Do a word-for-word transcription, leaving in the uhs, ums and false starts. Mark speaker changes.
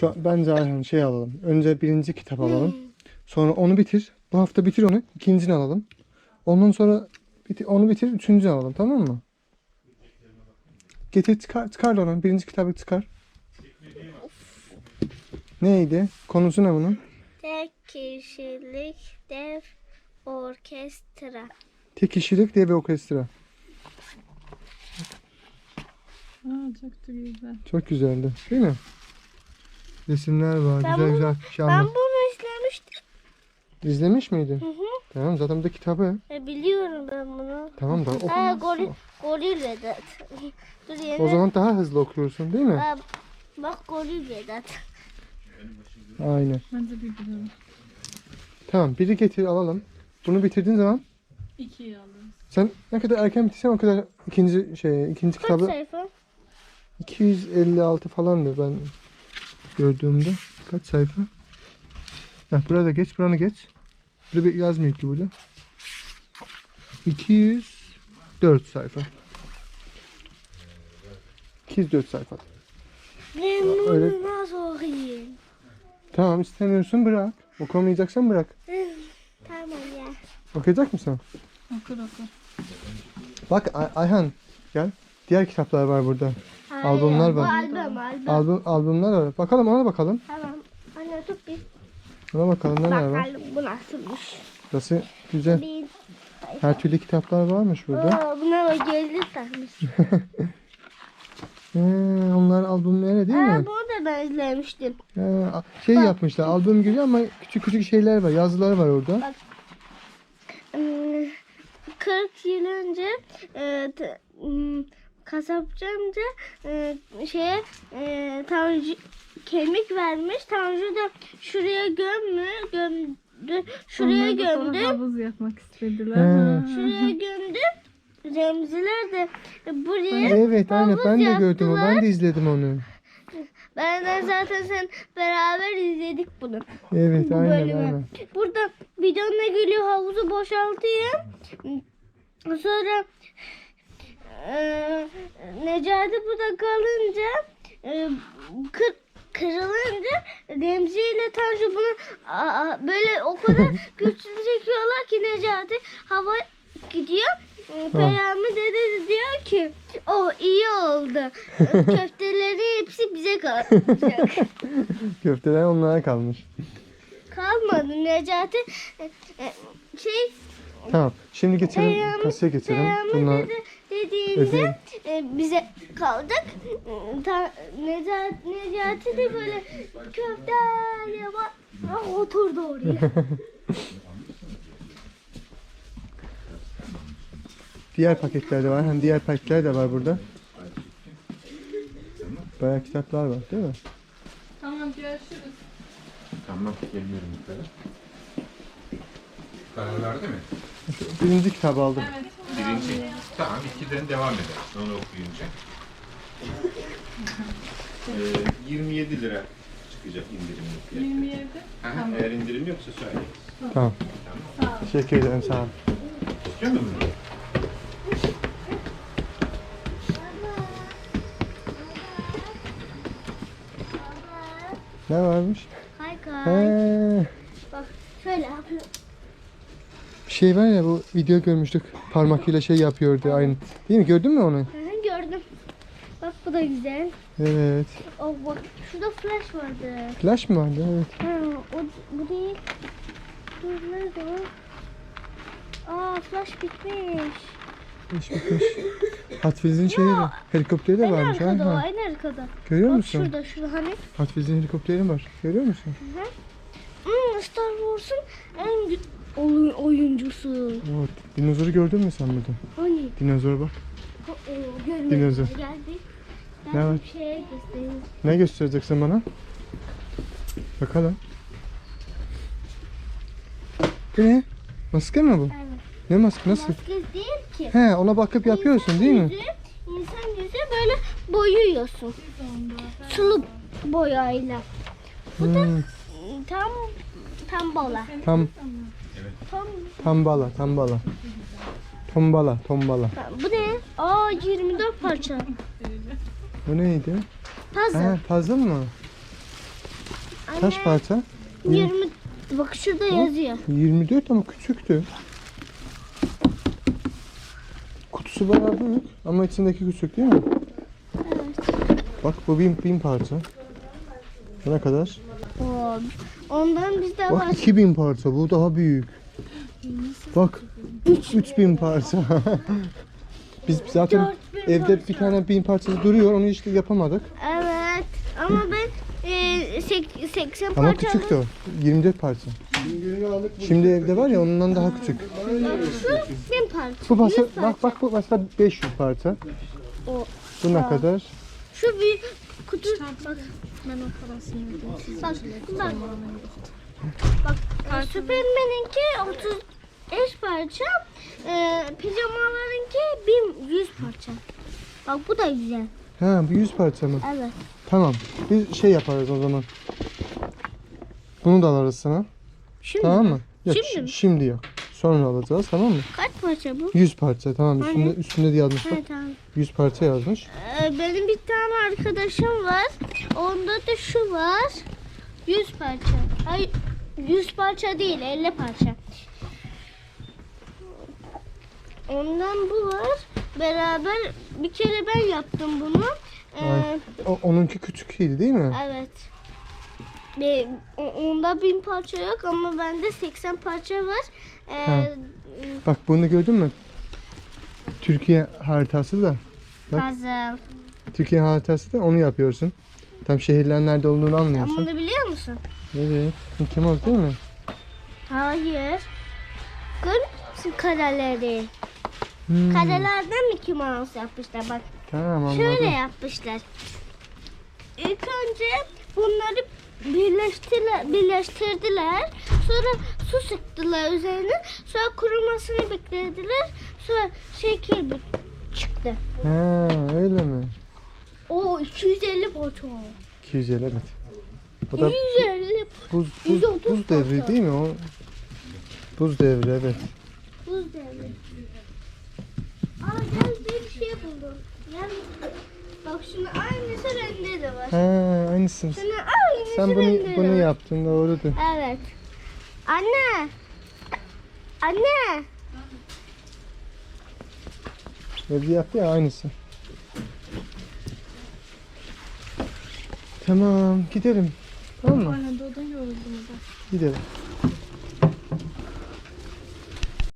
Speaker 1: Şu an bence Ayhan şey alalım. Önce birinci kitap alalım. Sonra onu bitir. Bu hafta bitir onu. İkincini alalım. Ondan sonra bitir, onu bitir. Üçüncünü alalım. Tamam mı? Getir çıkar, çıkar da onu. Birinci kitabı çıkar. Neydi? Konusu ne bunun?
Speaker 2: Tek kişilik dev orkestra.
Speaker 1: Tek kişilik diye bir orkestra.
Speaker 3: Aa, çok da güzel.
Speaker 1: Çok güzeldi. Değil mi? Resimler var.
Speaker 2: Ben
Speaker 1: güzel
Speaker 2: bunu-
Speaker 1: güzel
Speaker 2: Ben
Speaker 1: şahane.
Speaker 2: bunu izlemiştim.
Speaker 1: İzlemiş miydin?
Speaker 2: Hı hı.
Speaker 1: Tamam zaten bu da kitabı.
Speaker 2: E, biliyorum ben bunu.
Speaker 1: Tamam da oku.
Speaker 2: Ha, goril, goril Vedat. Dur yine.
Speaker 1: O zaman daha hızlı okuyorsun değil mi?
Speaker 2: Ha, bak goril Vedat.
Speaker 1: Aynen.
Speaker 3: Bence bir güzel.
Speaker 1: Tamam biri getir alalım. Bunu bitirdiğin zaman
Speaker 3: İkiyi alırız.
Speaker 1: sen ne kadar erken bitirsen o kadar ikinci şey ikinci
Speaker 2: Kaç
Speaker 1: kitabı
Speaker 2: sayfa?
Speaker 1: iki yüz elli altı falandı ben gördüğümde. Kaç sayfa? Heh, burada geç, buranı geç. Burada bir yazmıyor ki burada. iki yüz dört sayfa. iki yüz dört sayfa.
Speaker 2: Ben bunu
Speaker 1: Öyle-
Speaker 2: nasıl okuyayım?
Speaker 1: Tamam istemiyorsun bırak. Okumayacaksan bırak.
Speaker 2: Tamam ya.
Speaker 1: Okuyacak mısın?
Speaker 3: Okur okur.
Speaker 1: Bak Ay- Ayhan gel. Diğer kitaplar var burada.
Speaker 2: Hayır,
Speaker 1: Albümler
Speaker 2: bu
Speaker 1: var.
Speaker 2: albüm albüm.
Speaker 1: Albüm, albümler var. Bakalım ona bakalım.
Speaker 2: Tamam. Anne tut bir.
Speaker 1: Ona bakalım neler var.
Speaker 2: Bakalım bu nasılmış.
Speaker 1: Burası güzel.
Speaker 2: Bir.
Speaker 1: Her türlü kitaplar varmış burada.
Speaker 2: Aa, buna bak geldi takmış.
Speaker 1: Ee, onlar albümleri değil
Speaker 2: Aa,
Speaker 1: mi?
Speaker 2: bunu da ben izlemiştim.
Speaker 1: Ee, şey yapmışlar. Albüm gibi ama küçük küçük şeyler var. Yazılar var orada.
Speaker 2: Bak. Hmm, kırk yıl önce e, t- hmm, kasapçı amca e, şeye e, Tanju kemik vermiş. Tanju da şuraya gömmü, gömdü. Şuraya
Speaker 3: Onlar da sonra
Speaker 2: gömdü.
Speaker 3: havuz yapmak istediler.
Speaker 1: He.
Speaker 3: Ha.
Speaker 2: Şuraya gömdü. Remziler de buraya
Speaker 1: Evet aynen
Speaker 2: havuz
Speaker 1: ben de gördüm onu.
Speaker 2: yaptılar.
Speaker 1: Ben de izledim onu.
Speaker 2: Benden zaten sen beraber izledik bunu.
Speaker 1: Evet
Speaker 2: Bu
Speaker 1: aynen
Speaker 2: bölümü.
Speaker 1: aynen.
Speaker 2: Burada bidonla geliyor, havuzu boşaltıyor. Sonra e, Necati burada kalınca e, kır, kırılınca Remzi ile Tanju bunu aa, böyle o kadar güçlü çekiyorlar ki Necati hava gidiyor. Peyami dede de diyor ki o iyi oldu. Köfteleri hepsi bize kalacak.
Speaker 1: Köfteler onlara kalmış.
Speaker 2: Kalmadı Necati e, e, şey
Speaker 1: Tamam. Şimdi geçelim.
Speaker 2: Peyami,
Speaker 1: Kasaya geçelim.
Speaker 2: Peyami
Speaker 1: Bunlar
Speaker 2: dede dediğinde e, bize kaldık. E, Ta, Necati, Necati de böyle köfte diye bak ah, oturdu oraya.
Speaker 1: diğer paketler de var. Hem diğer paketler de var burada. Bayağı kitaplar var değil mi?
Speaker 3: Tamam görüşürüz.
Speaker 4: Tamam, geliyorum yukarı. Karar verdi mi?
Speaker 1: Birinci kitabı aldım.
Speaker 3: Evet.
Speaker 4: Birinci. Tamam, ikiden devam eder. Onu okuyunca. Ee, yirmi yedi lira çıkacak indirimli fiyatı.
Speaker 3: yirmi yedi.
Speaker 4: Aha,
Speaker 3: Tamam.
Speaker 4: eğer indirim yoksa söyle.
Speaker 1: Tamam. Teşekkür ederim sağ ol.
Speaker 4: İstiyor musun bunu?
Speaker 1: Ne varmış?
Speaker 2: Kay kay.
Speaker 1: He,
Speaker 2: Bak şöyle yapıyor.
Speaker 1: bir şey var ya bu video görmüştük. Parmakıyla şey yapıyordu aynı. Değil mi? Gördün mü onu?
Speaker 2: Hı hı, gördüm. Bak bu da güzel.
Speaker 1: Evet.
Speaker 2: Oh bak şurada flash vardı.
Speaker 1: Flash mı vardı? Evet.
Speaker 2: Ha, o, bu değil. Dur nerede o? Aa flash bitmiş.
Speaker 1: Flash bitmiş. Hot Wheels'in şeyi de. Helikopteri de
Speaker 2: En
Speaker 1: varmış.
Speaker 2: arkada o,
Speaker 1: Ha.
Speaker 2: en arkada.
Speaker 1: Görüyor
Speaker 2: Bak
Speaker 1: musun?
Speaker 2: şurada, şurada hani.
Speaker 1: Hot Wheels'in helikopteri var. Görüyor musun?
Speaker 2: Hmm, Star Wars'un en gü- oyun, oyuncusu.
Speaker 1: Evet. Dinozoru gördün mü sen burada?
Speaker 2: Hani?
Speaker 1: Dinozor bak.
Speaker 2: O, o, görmedim.
Speaker 1: Dinozor.
Speaker 2: Geldi.
Speaker 1: Ne
Speaker 2: Ben
Speaker 1: var?
Speaker 2: bir şeye göstereyim.
Speaker 1: Ne göstereceksin bana? Bakalım. Bu ne? Maske mi bu?
Speaker 2: Evet.
Speaker 1: Ne maske? Nasıl?
Speaker 2: Maske değil ki.
Speaker 1: He ona bakıp yapıyorsun değil mi?
Speaker 2: Yüzü, insan yüzü böyle boyuyorsun. Sulu boyayla.
Speaker 1: Hmm,
Speaker 2: Tam tam bola.
Speaker 1: tam
Speaker 2: Tam,
Speaker 1: tambala tambala. Tombala tombala.
Speaker 2: bu ne? Aa yirmi dört parça.
Speaker 1: Bu neydi?
Speaker 2: Puzzle.
Speaker 1: He puzzle mı? Kaç
Speaker 2: Anne,
Speaker 1: parça?
Speaker 2: yirmi. Bak şurada yazıyor.
Speaker 1: yirmi dört ama küçüktü. Kutusu bayağı büyük ama içindeki küçük değil mi?
Speaker 2: Evet.
Speaker 1: Bak bu bin, bin parça. Bu ne kadar?
Speaker 2: Oo, ondan bizde var.
Speaker 1: Bak iki bin parça, bu daha büyük. Bak üç bin parça. Biz zaten
Speaker 2: dört bin
Speaker 1: evde
Speaker 2: parça.
Speaker 1: bir tane bin parçası duruyor, onu işte yapamadık.
Speaker 2: Evet. Ama ben e, sek- seksen
Speaker 1: Ama
Speaker 2: parça
Speaker 1: küçüktü o. yirmi dört parça. Şimdi evde var ya ondan daha küçük.
Speaker 2: Şu bin parça.
Speaker 1: Bu parça,
Speaker 2: yüz parça.
Speaker 1: bak bak bu mesela beş yüz parça.
Speaker 2: O,
Speaker 1: Bu ne
Speaker 2: Aa.
Speaker 1: kadar?
Speaker 2: şu büyük kutu. Bak.
Speaker 3: Ben o parasını ödeyeyim.
Speaker 2: Bak. Bak. Bak. e, Süpermen'inki otuz beş parça. E, pijamalarınki bin yüz parça. Bak bu da güzel.
Speaker 1: Ha bu yüz parça mı?
Speaker 2: Evet.
Speaker 1: Tamam. Biz şey yaparız o zaman. Bunu da alırız sana.
Speaker 2: Şimdi
Speaker 1: Tamam mı? Yok,
Speaker 2: Şimdi
Speaker 1: şi-
Speaker 2: mi?
Speaker 1: şimdi yok. Sonra alacağız, tamam mı?
Speaker 2: kaç parça bu?
Speaker 1: yüz parça, tamam.
Speaker 2: Hani?
Speaker 1: Üstünde üstünde de yazmış bak.
Speaker 2: Evet tamam.
Speaker 1: yüz parça yazmış.
Speaker 2: Ee, benim bir tane arkadaşım var. Onda da şu var. yüz parça. Ay yüz parça değil, elli parça. Ondan bu var. Beraber bir kere ben yaptım bunu. Ee,
Speaker 1: Ay. O, onunki küçükydü değil mi?
Speaker 2: evet. Ve o- onda bin parça yok ama bende seksen parça var. Ee,
Speaker 1: Ha. Bak bunu gördün mü? Türkiye haritası da. Bak.
Speaker 2: puzzle.
Speaker 1: Türkiye haritası da onu yapıyorsun. Tam şehirlerin nerede olduğunu
Speaker 2: Sen
Speaker 1: anlıyorsun.
Speaker 2: bunu biliyor musun?
Speaker 1: Evet. Mickey Mouse değil mi?
Speaker 2: Hayır. Görüyor musun kareleri?
Speaker 1: Hmm.
Speaker 2: Karelerden Mickey Mouse yapmışlar bak.
Speaker 1: Tamam anladım.
Speaker 2: Şöyle yapmışlar. İlk önce bunları birleştirdiler, birleştirdiler. Sonra su sıktılar üzerine. Sonra kurumasını beklediler. Sonra şekil bir çıktı.
Speaker 1: Ha öyle mi?
Speaker 2: O iki yüz elli parça.
Speaker 1: iki yüz elli evet. O da
Speaker 2: iki yüz elli
Speaker 1: buz,
Speaker 2: yüz
Speaker 1: buz,
Speaker 2: otuz
Speaker 1: buz devri
Speaker 2: parça.
Speaker 1: değil mi o? Buz devri evet.
Speaker 2: buz devri. Aa gel bir şey buldum. Gel. Bak şunun aynısı bende de var.
Speaker 1: Ha aynısın.
Speaker 2: Şunun aynısı
Speaker 1: Sen
Speaker 2: bende
Speaker 1: bunu
Speaker 2: de
Speaker 1: bunu
Speaker 2: var.
Speaker 1: yaptın doğrudur.
Speaker 2: Evet. Anne. Anne.
Speaker 1: Evde yaptı ya aynısı. Tamam gidelim. Tamam mı?
Speaker 3: Aynen doğudan yoruldum da.
Speaker 1: Gidelim.